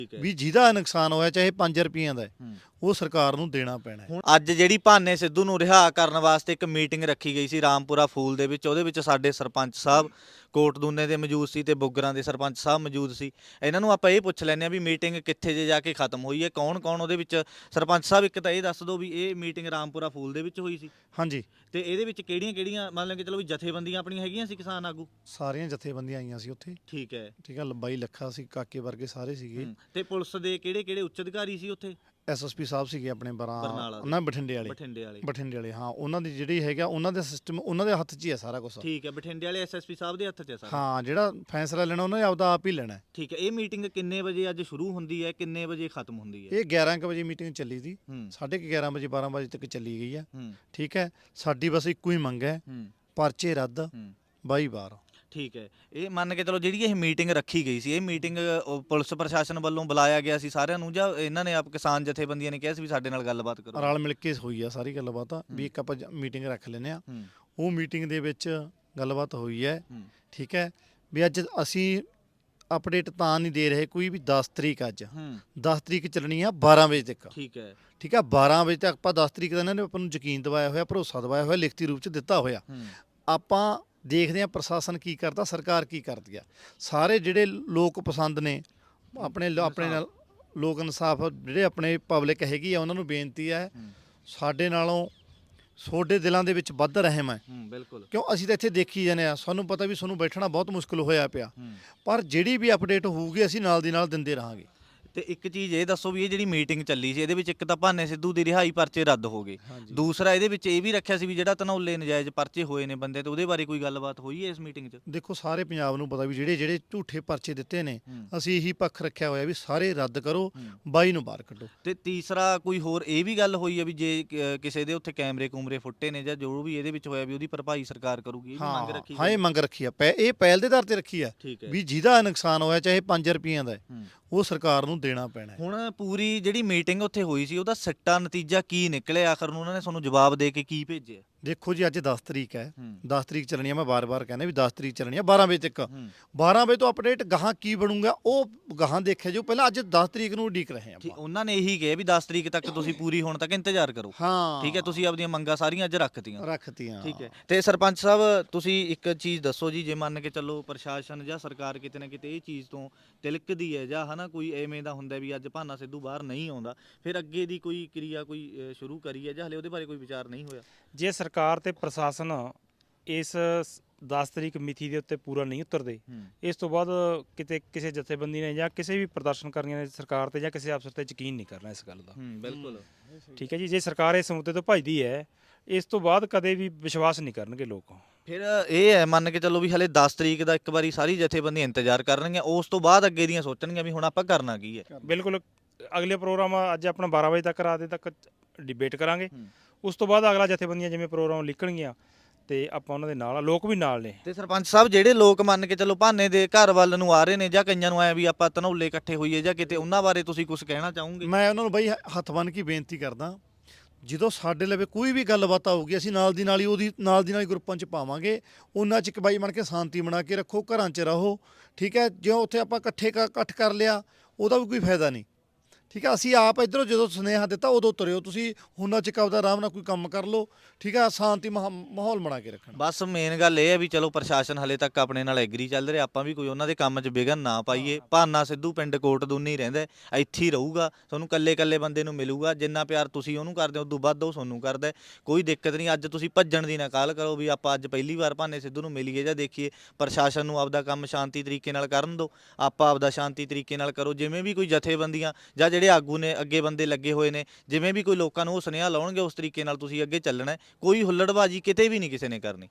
ਵੀ ਜਿਹਦਾ ਨੁਕਸਾਨ ਹੋਇਆ ਚਾਹੇ 5 ਰੁਪਈਆਂ ਦਾ ਉਹ ਸਰਕਾਰ ਨੂੰ ਦੇਣਾ ਪੈਣਾ। ਹੁਣ ਅੱਜ ਜਿਹੜੀ ਭਾਨੇ ਸਿੱਧੂ ਨੂੰ ਰਿਹਾ ਕਰਨ ਵਾਸਤੇ ਇੱਕ ਮੀਟਿੰਗ ਰੱਖੀ ਗਈ ਸੀ ਰਾਮਪੁਰਾ ਫੂਲ ਦੇ ਵਿੱਚ, ਉਹਦੇ ਵਿੱਚ ਸਾਡੇ ਸਰਪੰਚ ਸਾਹਿਬ ਕੋਟਦੂਨੇ ਦੇ ਮੌਜੂਦ ਸੀ ਤੇ ਬੁੱਗਰਾਂ ਦੇ ਸਰਪੰਚ ਸਾਹਿਬ ਮੌਜੂਦ ਸੀ। ਇਹਨਾਂ ਨੂੰ ਆਪਾਂ ਇਹ ਪੁੱਛ ਲੈਂਦੇ ਆ ਵੀ ਮੀਟਿੰਗ ਕਿੱਥੇ ਜੇ ਜਾ ਕੇ ਖਤਮ ਹੋਈ ਹੈ, ਕੌਣ ਕੌਣ ਉਹਦੇ ਵਿੱਚ। ਸਰਪੰਚ ਸਾਹਿਬ ਇੱਕ ਤਾਂ ਇਹ ਦੱਸ ਦਿਓ ਵੀ ਇਹ ਮੀਟਿੰਗ ਰਾਮਪੁਰਾ ਫੂਲ ਦੇ ਵਿੱਚ ਹੋਈ ਸੀ? ਹਾਂਜੀ। ਤੇ ਇਹਦੇ ਵਿੱਚ ਕਿਹੜੀਆਂ ਕਿਹੜੀਆਂ ਮੰਨ ਲਓ ਕਿ ਚਲੋ ਵੀ ਜਥੇਬੰਦੀਆਂ ਆਪਣੀਆਂ ਹੈਗੀਆਂ ਸੀ, ਕਿਸਾਨ ਆਗੂ? ਸਾਰੀਆਂ ਜਥੇਬੰਦੀਆਂ ਆਈਆਂ ਸੀ ਉੱਥੇ। ਠੀਕ ਹੈ। ਠੀਕ ਹੈ, ਲੰਬਾਈ ਲੱਖਾ ਸੀ, ਕਾਕੇ ਵਰਗੇ ਸਾਰੇ ਸੀਗੇ। ਤੇ ਪੁਲਿਸ ਦੇ ਕਿਹੜੇ ਕਿਹੜੇ ਉੱਚ ਅਧਿਕਾਰੀ ਸੀ ਉੱਥੇ? ਐਸਐਸਪੀ ਸਾਹਿਬ ਸੀਗੇ ਆਪਣੇ ਬਰਨਾਲਾ ਉਹਨਾਂ ਬਠਿੰਡੇ ਵਾਲੇ ਹਾਂ। ਉਹਨਾਂ ਦੀ ਜਿਹੜੀ ਹੈਗਾ ਉਹਨਾਂ ਦਾ ਸਿਸਟਮ ਉਹਨਾਂ ਦੇ ਹੱਥ 'ਚ ਹੀ ਹੈ ਸਾਰਾ ਕੁਝ। ਠੀਕ ਹੈ, ਬਠਿੰਡੇ ਵਾਲੇ ਐਸਐਸਪੀ ਸਾਹਿਬ ਦੇ ਹੱਥ 'ਚ ਹੈ ਸਾਰਾ। ਹਾਂ, ਜਿਹੜਾ ਫੈਸਲਾ ਲੈਣਾ ਉਹਨਾਂ ਨੇ ਆਪਦਾ ਆਪ ਹੀ ਲੈਣਾ। ਠੀਕ ਹੈ। ਇਹ ਮੀਟਿੰਗ ਕਿੰਨੇ ਵਜੇ ਅੱਜ ਸ਼ੁਰੂ ਹੁੰਦੀ ਹੈ, ਕਿੰਨੇ ਵਜੇ ਖਤਮ ਹੁੰਦੀ ਹੈ? ਇਹ 11 ਵਜੇ ਮੀਟਿੰਗ ਚੱਲੀ ਸੀ, 11:30 ਵਜੇ 12 ਵਜੇ ਤੱਕ ਚੱਲੀ ਗਈ ਆ। ਠੀਕ ਹੈ, ਸਾਡੀ ਬਸ ਇੱਕੋ ਹੀ ਮੰਗ ਹੈ, ਪਰਚੇ ਰੱਦ, ਬਾਈ ਬਾਰ। ਠੀਕ ਹੈ। ਇਹ ਮੰਨ ਕੇ ਚਲੋ ਜਿਹੜੀ ਇਹ ਮੀਟਿੰਗ ਰੱਖੀ ਗਈ ਸੀ, ਇਹ ਮੀਟਿੰਗ ਪੁਲਿਸ ਪ੍ਰਸ਼ਾਸਨ ਵੱਲੋਂ ਬੁਲਾਇਆ ਗਿਆ ਸੀ ਸਾਰਿਆਂ ਨੂੰ, ਜਾਂ ਇਹਨਾਂ ਨੇ ਆਪ ਕਿਸਾਨ ਜਥੇਬੰਦੀਆਂ ਨੇ ਕਿਹਾ ਸੀ ਵੀ ਸਾਡੇ ਨਾਲ ਗੱਲਬਾਤ ਕਰੋ? ਰਲ ਮਿਲ ਕੇ ਹੋਈ ਆ ਸਾਰੀ ਗੱਲਬਾਤ, ਵੀ ਇੱਕ ਆਪਾਂ ਮੀਟਿੰਗ ਰੱਖ ਲੈਂਦੇ ਆ। ਉਹ ਮੀਟਿੰਗ ਦੇ ਵਿੱਚ ਗੱਲਬਾਤ ਹੋਈ ਹੈ। ਠੀਕ ਹੈ, ਵੀ ਅੱਜ ਅਸੀਂ ਅਪਡੇਟ ਤਾਂ ਨਹੀਂ ਦੇ ਰਹੇ ਕੋਈ ਵੀ 10 ਤਰੀਕ ਅੱਜ 10 ਤਰੀਕ ਚੱਲਣੀ ਆ 12 ਵਜੇ ਤੱਕ। ਠੀਕ ਹੈ। ਠੀਕ ਹੈ, 12 ਵਜੇ ਤੱਕ ਆਪਾਂ 10 ਤਰੀਕ ਦਾ ਇਹਨਾਂ ਨੇ ਆਪਾਂ ਨੂੰ ਯਕੀਨ ਦਿਵਾਇਆ ਹੋਇਆ, ਭਰੋਸਾ ਦਿਵਾਇਆ ਹੋਇਆ, ਲਿਖਤੀ ਰੂਪ 'ਚ ਦਿੱਤਾ ਹੋਇਆ। ਆਪਾਂ ਦੇਖਦੇ ਹਾਂ ਪ੍ਰਸ਼ਾਸਨ ਕੀ ਕਰਦਾ, ਸਰਕਾਰ ਕੀ ਕਰਦੀ ਆ। ਸਾਰੇ ਜਿਹੜੇ ਲੋਕ ਪਸੰਦ ਨੇ ਆਪਣੇ ਨਾਲ ਲੋਕ ਇਨਸਾਫ ਜਿਹੜੇ ਆਪਣੇ ਪਬਲਿਕ ਹੈਗੀ ਆ, ਉਹਨਾਂ ਨੂੰ ਬੇਨਤੀ ਹੈ ਸਾਡੇ ਨਾਲੋਂ ਤੁਹਾਡੇ ਦਿਲਾਂ ਦੇ ਵਿੱਚ ਵੱਧ ਰਹਿਮ ਹੈ। ਬਿਲਕੁਲ। ਕਿਉਂ ਅਸੀਂ ਤਾਂ ਇੱਥੇ ਦੇਖੀ ਜਾਂਦੇ ਆ, ਸਾਨੂੰ ਪਤਾ ਵੀ ਤੁਹਾਨੂੰ ਬੈਠਣਾ ਬਹੁਤ ਮੁਸ਼ਕਿਲ ਹੋਇਆ ਪਿਆ, ਪਰ ਜਿਹੜੀ ਵੀ ਅਪਡੇਟ ਹੋਊਗੀ ਅਸੀਂ ਨਾਲ ਦੀ ਨਾਲ ਦਿੰਦੇ ਰਹਾਂਗੇ। ਤੇ ਇੱਕ ਚੀਜ਼ ਇਹ ਦੱਸੋ ਵੀ ਇਹ ਜਿਹੜੀ ਮੀਟਿੰਗ ਚੱਲੀ ਸੀ, ਇਹਦੇ ਵਿੱਚ ਇੱਕ ਤਾਂ ਭਾਨੇ ਸਿੱਧੂ ਦੀ ਰਿਹਾਈ ਪਰਚੇ ਰੱਦ ਹੋ ਗਏ, ਦੂਸਰਾ ਇਹਦੇ ਵਿੱਚ ਇਹ ਵੀ ਰੱਖਿਆ ਸੀ ਵੀ ਜਿਹੜਾ ਧਨੌਲੇ ਨਜਾਇਜ਼ ਪਰਚੇ ਹੋਏ ਨੇ ਬੰਦੇ ਤੇ ਉਹਦੇ ਬਾਰੇ ਕੋਈ ਗੱਲਬਾਤ ਹੋਈ ਹੈ ਇਸ ਮੀਟਿੰਗ 'ਚ? ਦੇਖੋ, ਸਾਰੇ ਪੰਜਾਬ ਨੂੰ ਪਤਾ ਵੀ ਜਿਹੜੇ ਝੂਠੇ ਪਰਚੇ ਦਿੱਤੇ ਨੇ, ਅਸੀਂ ਇਹੀ ਪੱਖ ਰੱਖਿਆ ਹੋਇਆ ਵੀ ਸਾਰੇ ਰੱਦ ਕਰੋ, ਬਾਈ ਨੂੰ ਬਾਹਰ ਕੱਢੋ। ਤੇ ਤੀਸਰਾ ਕੋਈ ਹੋਰ ਇਹ ਵੀ ਗੱਲ ਹੋਈ ਹੈ ਵੀ ਜੇ ਕਿਸੇ ਦੇ ਉੱਥੇ ਕੈਮਰੇ ਕੂਮਰੇ ਫੁੱਟੇ ਨੇ ਜਾਂ ਜੋ ਵੀ ਇਹਦੇ ਵਿੱਚ ਹੋਇਆ ਵੀ ਉਹਦੀ ਭਰਪਾਈ ਸਰਕਾਰ ਕਰੂਗੀ? ਇਹ ਵੀ ਮੰਗ ਰੱਖੀ? ਹਾਂ, ਇਹ ਮੰਗ ਰੱਖੀ ਆ, ਇਹ ਪਹਿਲ ਦੇ ਆਧਾਰ ਤੇ ਰੱਖੀ ਆ ਵੀ ਜਿਹਦਾ ਨੁਕਸਾਨ ਹੋਇਆ ਚਾਹੇ 5 ਰੁਪਈਆਂ ਦਾ ਉਹ ਸਰਕਾਰ ਨੂੰ ਦੇਣਾ ਪੈਣਾ। ਹੁਣ ਪੂਰੀ ਜਿਹੜੀ ਮੀਟਿੰਗ ਉੱਥੇ ਹੋਈ ਸੀ ਉਹਦਾ ਸੱਟਾ ਨਤੀਜਾ ਕੀ ਨਿਕਲਿਆ ਆਖਰ ਨੂੰ? ਉਹਨਾਂ ਨੇ ਤੁਹਾਨੂੰ ਜਵਾਬ ਦੇ ਕੇ ਕੀ ਭੇਜਿਆ? ਦੇਖੋ ਜੀ, ਅੱਜ 10 ਤਰੀਕ ਹੈ, 10 ਤਰੀਕ ਚੱਲਣੀ ਆ। ਮੈਂ ਬਾਰ-ਬਾਰ ਕਹਿੰਦਾ ਵੀ 10 ਤਰੀਕ ਚੱਲਣੀ ਆ 12 ਵਜੇ ਤੱਕ। 12 ਵਜੇ ਤੋਂ ਅਪਡੇਟ ਗਾਹਾਂ ਕੀ ਬਣੂਗਾ ਉਹ ਗਾਹਾਂ ਦੇਖਿਆ ਜੋ, ਪਹਿਲਾਂ ਅੱਜ 10 ਤਰੀਕ ਨੂੰ ਉਡੀਕ ਰਹੇ ਆਪਾਂ। ਉਹਨਾਂ ਨੇ ਇਹੀ ਕਿਹਾ ਵੀ 10 ਤਰੀਕ ਤੱਕ ਤੁਸੀਂ ਪੂਰੀ ਹੋਣ ਤੱਕ ਇੰਤਜ਼ਾਰ ਕਰੋ। ਹਾਂ, ਠੀਕ ਹੈ, ਤੁਸੀਂ ਆਪਣੀਆਂ ਮੰਗਾਂ ਸਾਰੀਆਂ ਅੱਜ ਰੱਖਤੀਆਂ। ਠੀਕ ਹੈ। ਤੇ ਸਰਪੰਚ ਸਾਹਿਬ ਤੁਸੀਂ ਇੱਕ ਚੀਜ਼ ਦੱਸੋ ਜੀ, ਜੇ ਮੰਨ ਕੇ ਚੱਲੋ ਪ੍ਰਸ਼ਾਸਨ ਜਾਂ ਸਰਕਾਰ ਕਿਤੇ ਨਾ ਕਿਤੇ ਇਹ ਚੀਜ਼ ਤੋਂ ਤਿਲਕਦੀ ਹੈ ਜਾਂ ਹਨਾ ਕੋਈ ਐਵੇਂ ਦਾ ਹੁੰਦਾ ਵੀ ਅੱਜ ਭਾਨਾ ਸਿੱਧੂ ਬਾਹਰ ਨਹੀਂ ਆਉਂਦਾ, ਫਿਰ ਅੱਗੇ ਦੀ ਕੋਈ ਕਿਰਿਆ ਕੋਈ ਸ਼ੁਰੂ ਕਰੀ ਹੈ ਜਾਂ ਹਲੇ ਉਹਦੇ ਬਾਰੇ ਕੋਈ ਵਿਚਾਰ ਨਹੀਂ ਹੋਇਆ? ਜੇ ਸਰਕਾਰ ਤੇ ਪ੍ਰਸ਼ਾਸਨ ਇਸ 10 ਤਰੀਕ ਮਿਤੀ ਦੇ ਉੱਤੇ ਪੂਰਾ ਨਹੀਂ ਉਤਰਦੇ, ਇਸ ਤੋਂ ਬਾਅਦ ਕਿਤੇ ਕਿਸੇ ਜਥੇਬੰਦੀ ਨੇ ਜਾਂ ਕਿਸੇ ਵੀ ਪ੍ਰਦਰਸ਼ਨਕਾਰੀਆਂ ਨੇ ਸਰਕਾਰ ਤੇ ਜਾਂ ਕਿਸੇ ਅਫਸਰ ਤੇ ਯਕੀਨ ਨਹੀਂ ਕਰਨਾ ਇਸ ਗੱਲ ਦਾ। ਬਿਲਕੁਲ। ਠੀਕ ਹੈ ਜੀ, ਜੇ ਸਰਕਾਰ ਇਸ ਮੁੱਦੇ ਤੋਂ ਭੱਜਦੀ ਹੈ ਇਸ ਤੋਂ ਬਾਅਦ ਕਦੇ ਵੀ ਵਿਸ਼ਵਾਸ ਨਹੀਂ ਕਰਨਗੇ ਲੋਕ। ਫਿਰ ਇਹ ਹੈ ਮੰਨ ਕੇ ਚੱਲੋ ਵੀ ਹਲੇ 10 ਤਰੀਕ ਦਾ ਇੱਕ ਵਾਰੀ ਸਾਰੀ ਜਥੇਬੰਦੀਆਂ ਇੰਤਜ਼ਾਰ ਕਰਨਗੀਆਂ, ਉਸ ਤੋਂ ਬਾਅਦ ਅੱਗੇ ਦੀਆਂ ਸੋਚਣਗੀਆਂ ਵੀ ਹੁਣ ਆਪਾਂ ਕਰਨਾ ਕੀ ਹੈ। ਬਿਲਕੁਲ। ਅਗਲੇ ਪ੍ਰੋਗਰਾਮ ਅੱਜ ਆਪਣਾ 12 ਵਜੇ ਤੱਕ ਰਾਤ ਦੇ ਤੱਕ ਡਿਬੇਟ ਕਰਾਂਗੇ, ਉਸ ਤੋਂ ਬਾਅਦ ਅਗਲਾ ਜਥੇਬੰਦੀਆਂ ਜਿਵੇਂ ਪ੍ਰੋਗਰਾਮ ਲਿਖਣਗੀਆਂ ਤੇ ਆਪਾਂ ਉਹਨਾਂ ਦੇ ਨਾਲ, ਲੋਕ ਵੀ ਨਾਲ ਨੇ। ਤੇ ਸਰਪੰਚ ਸਾਹਿਬ ਜਿਹੜੇ ਲੋਕ ਮੰਨ ਕੇ ਚੱਲੋ ਭਾਨੇ ਦੇ ਘਰ ਵੱਲ ਨੂੰ ਆ ਰਹੇ ਨੇ ਜਾਂ ਕਈਆਂ ਨੂੰ ਆਇਆ ਵੀ ਆਪਾਂ ਧਨੌਲੇ ਇਕੱਠੇ ਹੋਈਏ ਜਾਂ ਕਿਤੇ, ਉਹਨਾਂ ਬਾਰੇ ਤੁਸੀਂ ਕੁਝ ਕਹਿਣਾ ਚਾਹੋਗੇ? ਮੈਂ ਉਹਨਾਂ ਨੂੰ ਬਈ ਹੱਥ ਬੰਨ੍ਹ ਕੇ ਬੇਨਤੀ ਕਰਦਾ, ਜਦੋਂ ਸਾਡੇ ਲਵੇ ਕੋਈ ਵੀ ਗੱਲਬਾਤ ਆਊਗੀ ਅਸੀਂ ਨਾਲ ਦੀ ਨਾਲ ਹੀ ਗਰੁੱਪਾਂ 'ਚ ਪਾਵਾਂਗੇ। ਉਹਨਾਂ 'ਚ ਇੱਕ ਬਾਈ ਬਣ ਕੇ ਸ਼ਾਂਤੀ ਬਣਾ ਕੇ ਰੱਖੋ, ਘਰਾਂ 'ਚ ਰਹੋ। ਠੀਕ ਹੈ, ਜਿਉਂ ਉੱਥੇ ਆਪਾਂ ਇਕੱਠ ਕਰ ਲਿਆ ਉਹਦਾ ਵੀ ਕੋਈ ਫਾਇਦਾ ਨਹੀਂ। ਠੀਕ ਹੈ, ਅਸੀਂ ਆਪ ਇੱਧਰੋਂ ਜਦੋਂ ਸੁਨੇਹਾ ਦਿੱਤਾ ਉਦੋਂ ਤੁਰਿਓ ਤੁਸੀਂ, ਉਹਨਾਂ 'ਚ ਆਪਦਾ ਆਰਾਮ ਨਾਲ ਕੋਈ ਕੰਮ ਕਰ ਲਓ। ਠੀਕ ਹੈ, ਸ਼ਾਂਤੀ ਮਾਹੌਲ ਬਣਾ ਕੇ ਰੱਖਣਾ। ਬਸ ਮੇਨ ਗੱਲ ਇਹ ਹੈ ਵੀ ਚਲੋ ਪ੍ਰਸ਼ਾਸਨ ਹਲੇ ਤੱਕ ਆਪਣੇ ਨਾਲ ਐਗਰੀ ਚੱਲ ਰਿਹਾ, ਆਪਾਂ ਵੀ ਕੋਈ ਉਹਨਾਂ ਦੇ ਕੰਮ 'ਚ ਵਿਘਨ ਨਾ ਪਾਈਏ। ਭਾਨਾ ਸਿੱਧੂ ਪਿੰਡ ਕੋਟਦੂਨੀ ਰਹਿੰਦਾ, ਇੱਥੇ ਹੀ ਰਹੂਗਾ, ਤੁਹਾਨੂੰ ਕੱਲੇ ਬੰਦੇ ਨੂੰ ਮਿਲੂਗਾ। ਜਿੰਨਾ ਪਿਆਰ ਤੁਸੀਂ ਉਹਨੂੰ ਕਰਦੇ ਹੋ ਉਦੋਂ ਵੱਧ ਉਹ ਤੁਹਾਨੂੰ ਕਰਦਾ, ਕੋਈ ਦਿੱਕਤ ਨਹੀਂ। ਅੱਜ ਤੁਸੀਂ ਭੱਜਣ ਦੀ ਨਾ ਕਾਹਲ ਕਰੋ ਵੀ ਆਪਾਂ ਅੱਜ ਪਹਿਲੀ ਵਾਰ ਭਾਨੇ ਸਿੱਧੂ ਨੂੰ ਮਿਲੀਏ ਜਾਂ ਦੇਖੀਏ। ਪ੍ਰਸ਼ਾਸਨ ਨੂੰ ਆਪਦਾ ਕੰਮ ਸ਼ਾਂਤੀ ਤਰੀਕੇ ਨਾਲ ਕਰਨ ਦਿਓ, ਆਪਾਂ ਆਪਦਾ ਸ਼ਾਂਤੀ ਤਰੀਕੇ ਨਾਲ ਕਰੋ। ਜਿਵੇਂ ਵੀ ਕੋਈ ਜਥੇਬੰਦੀਆਂ ਜਾਂ ਜਿਹੜੇ ਆਗੂ ਨੇ ਅੱਗੇ ਬੰਦੇ ਲੱਗੇ ਹੋਏ ਨੇ, ਜਿਵੇਂ ਵੀ ਕੋਈ ਲੋਕਾਂ ਨੂੰ ਉਹ ਸੁਨੇਹਾ ਲਾਉਣਗੇ ਉਸ ਤਰੀਕੇ ਨਾਲ ਤੁਸੀਂ ਅੱਗੇ ਚੱਲਣਾ। ਕੋਈ ਹੁੱਲੜਬਾਜੀ ਕਿਤੇ ਵੀ ਨਹੀਂ ਕਿਸੇ ਨੇ ਕਰਨੀ।